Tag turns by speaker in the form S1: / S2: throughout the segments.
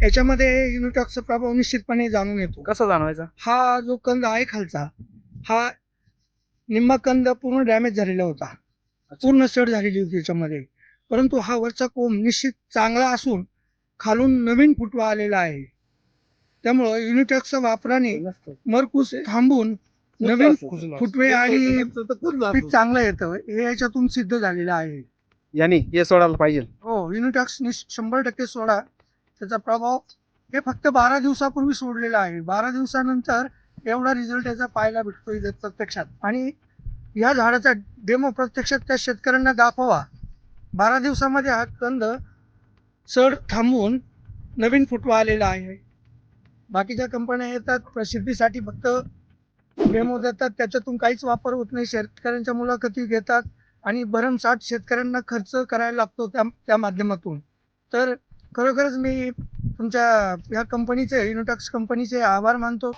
S1: याच्यामध्ये युनिटॉक्सचा प्रभाव निश्चितपणे जाणून येतो.
S2: कसा जाणवायचा?
S1: हा जो कंद आहे खालचा, हा निम्मा कंद पूर्ण डॅमेज झालेला होता, पूर्ण सड झालेली होती त्याच्यामध्ये. परंतु हा वरचा कोंब निश्चित चांगला असून खालून नवीन फुटवा आलेला आहे. त्यामुळं युनिटॉक्सच्या वापराने मरकूस थांबून नवीन फुटवे आणि पीक चांगलं येतं, हे याच्यातून सिद्ध झालेलं आहे.
S2: याने हे सोडायला पाहिजे.
S1: हो, युनिटॉक्स 100% सोडा. त्याचा प्रभाव हे फक्त 12 दिवसापूर्वी सोडलेला आहे. 12 दिवसानंतर एवढा रिझल्ट याचा पाहायला भेटतो इथे प्रत्यक्षात. आणि या झाडाचा डेमो प्रत्यक्षात त्या शेतकऱ्यांना दाखवा. 12 दिवसामध्ये हा कंद चढ थांबवून नवीन फुटवा आलेला आहे. बाकीच्या कंपन्या येतात प्रसिद्धीसाठी, फक्त डेमो देतात, त्याच्यातून काहीच वापर होत नाही. शेतकऱ्यांच्या मुलाखती घेतात आणि भरमसाठ शेतकऱ्यांना खर्च करायला लागतो त्या माध्यमातून. तर खरोखरच मी तुमच्या या कंपनीचे, युनिटॉक्स कंपनीचे आभार मानतो.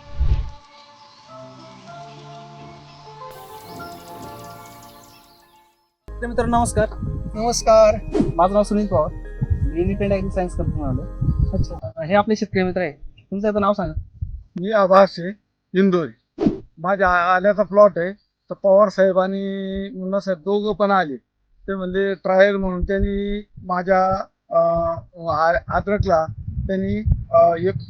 S2: मित्रांनो नमस्कार.
S1: नमस्कार.
S2: माझं नाव सुनील पवार. मी इंडिपेंडंट ॲग्री सायन्स कंपनी आलो. अच्छा, हे आपले शेतकरी मित्र आहे. तुमचं आता नाव सांगा.
S3: मी आभास आहे, इंदोरी. माझ्या आल्याचा प्लॉट आहे. तर पवार साहेब आणि मुन्ना साहेब दोघं पण आले. ते म्हणजे ट्रायल म्हणून त्यांनी माझ्या अद्रकला त्यांनी एक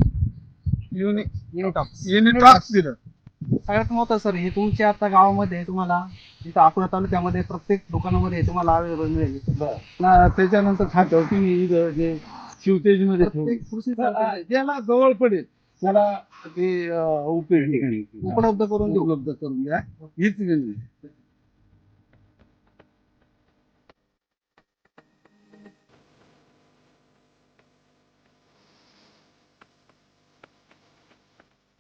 S3: युनिटॉक्स दिलं.
S2: सगळ्यात महत्त्वाचं सर, हे तुमच्या आता गावामध्ये तुम्हाला इथं अकोला तालुक्यामध्ये प्रत्येक दुकानामध्ये तुम्हाला अवेलेबल मिळेल.
S3: त्याच्यानंतर खात्यावरती मी इथं जे शिवतेजमध्ये ज्याला जवळ पडेल त्याला ते उपलब्ध करून द्या. हीच